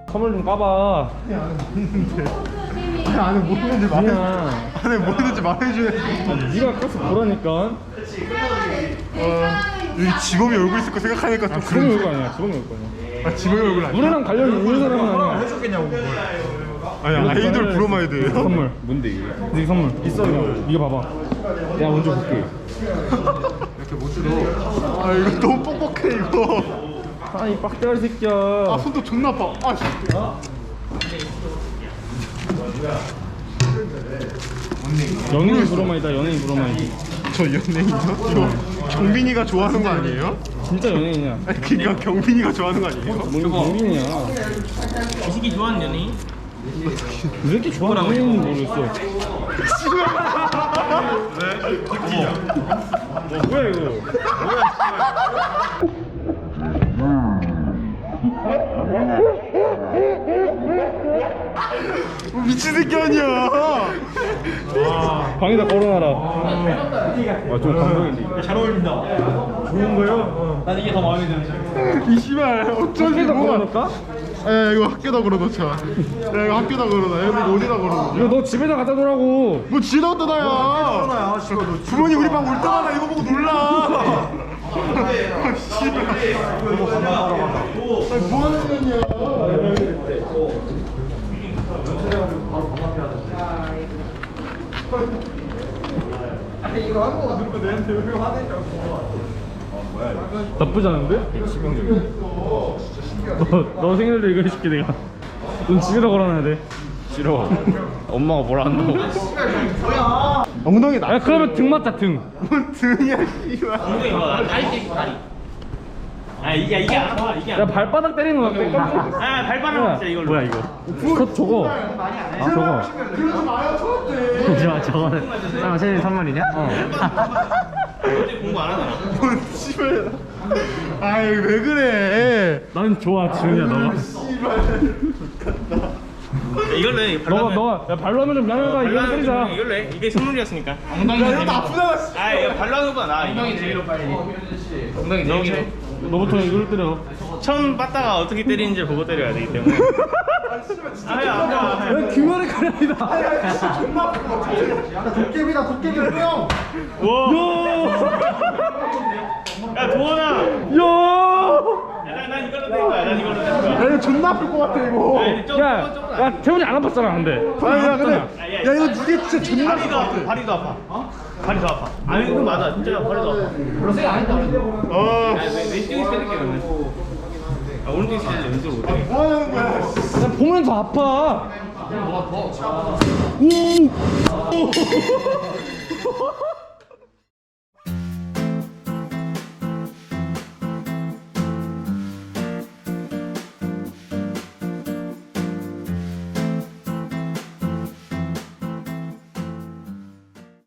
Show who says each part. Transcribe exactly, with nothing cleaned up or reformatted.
Speaker 1: 선물 좀 까봐.
Speaker 2: 아니 안에 뭐 있는지 말해.
Speaker 1: 그냥
Speaker 2: 안에 뭐 있는지 말해줘야지.
Speaker 1: 네가 까서 보라니까.
Speaker 2: 어, 여기 지범이 얼굴 있을 거 생각하니까 좀
Speaker 1: 아, 지범이
Speaker 2: 그런.
Speaker 1: 얼굴 아니야. 지범이 얼굴 아니야.
Speaker 2: 아 지범이 얼굴 아니야?
Speaker 1: 노래랑 관련이 있는 사람은 아니야.
Speaker 3: 해줬겠냐고 그걸.
Speaker 2: 아니 아이돌 브로마이드예요?
Speaker 1: 선물 뭔데 이게? 네 선물 있어. 이거 봐봐. 내가 먼저 볼게.
Speaker 3: 이렇게 못 들어.
Speaker 2: 아 이거 너무 뻑뻑해 이거.
Speaker 1: 아이 빡대가리 새끼야.
Speaker 2: 아 손도 존나 아파. 아 씨.
Speaker 1: 연예인 브로마이다. 연예인 브로마이드.
Speaker 2: 저 연예인이요? 저 경빈이가 좋아하는 거 아니에요?
Speaker 1: 진짜 연예인이야.
Speaker 2: 아니 그니까 경빈이가 좋아하는 거 아니에요?
Speaker 1: 뭔 경빈이야.
Speaker 4: 이 새끼 좋아하는 연예인?
Speaker 1: 왜 이렇게 좋아하는 연예인인지 모르겠어. 어, 뭐야 이거?
Speaker 2: 뭐 미친 새끼 아니야.
Speaker 1: 방에다 걸어놔라. 아좀 감동인데.
Speaker 3: 잘 어울린다.
Speaker 2: 좋은 거요?
Speaker 4: 난 이게 더 마음에 드는.
Speaker 2: 이 씨발 어쩐지
Speaker 1: 방에다
Speaker 2: 뭐가.
Speaker 1: 걸어놓을까?
Speaker 2: 야 이거 학교다 걸어놓자. 야 이거 학교다 걸어놔. 야 이거 어디다 걸어놓자.
Speaker 1: 이거 너 집에다 갖다 놓으라고.
Speaker 2: 뭐 지다 떠나야.
Speaker 3: 야, 씨발 너
Speaker 2: 부모님 우리 방 올 때마다 이거 보고 놀라. 아, 씨발. 아니, 뭐 하는 년이야.
Speaker 1: 나쁘지 않은데? 너, 너 생일도 이거 해줄게 내가. 넌 집에다 걸어놔야 돼. 싫어. 엄마가 뭐라 한다고.
Speaker 2: 엉덩이 나.
Speaker 1: 야 그러면 등 맞자 등.
Speaker 2: 뭔 등이야 씨발.
Speaker 4: 엉덩이 봐. 다리 떼기 다리. 아 이게 이게 안 아파. 이게 안
Speaker 1: 야
Speaker 4: 아파.
Speaker 1: 발바닥 때리는 거 같아.
Speaker 4: 아 발바닥 진짜 이걸로.
Speaker 1: 뭐야 이거? 그 저거. 아 저거.
Speaker 2: 그러지 마요 저한테.
Speaker 5: 저 저거는 아 생일 선물이냐? 어.
Speaker 4: 어제 공부 안 하잖아.
Speaker 2: 뭔 씨발. 아이 왜 그래.
Speaker 1: 난 좋아 지훈이야 너가.
Speaker 4: 이걸로 해.
Speaker 1: 너가 너가 야 발로 하면 좀 미안하다 이거 때리자.
Speaker 4: 이걸로 해. 이게 선물이었으니까.
Speaker 2: 야 이거 나쁘잖아.
Speaker 4: 아 이거 발로 하는 거보다 나. 엉덩이 제기로 빨리. 엉덩이 제기로.
Speaker 1: 너부터 이걸 때려.
Speaker 4: 처음 빠따가 어떻게 때리는지 보고 때려야 되기 때문에. 아야 아야.
Speaker 1: 야 규명의 가량이다.
Speaker 2: 도깨비다 도깨비 뿅.
Speaker 4: 와. 야 도원아.
Speaker 1: 야.
Speaker 4: 난, 난 이걸로 될 거야. 난 이걸로 될 거야.
Speaker 2: 야 이거 존나 아플 것 같아 이거.
Speaker 4: 아니, 좀,
Speaker 1: 야,
Speaker 4: 좀, 좀,
Speaker 1: 야 태훈이 안 아팠잖아 근데.
Speaker 2: 아니 야 근데
Speaker 4: 야,
Speaker 2: 야 이거 이게 진짜 존나 아플
Speaker 4: 발이
Speaker 2: 것
Speaker 4: 더 아파.
Speaker 2: 같아.
Speaker 4: 발이 더 아파. 어? 발이 더 아파. 아니 그거 맞아. 진짜 발이 더 아파.
Speaker 2: 어.
Speaker 4: 왼쪽에서 때릴게 그러면. 아 오른쪽에서 때릴게. 왼쪽으로 못해.
Speaker 2: 뭐 하는 거야?
Speaker 1: 야 보면 더 아파. 오. 오.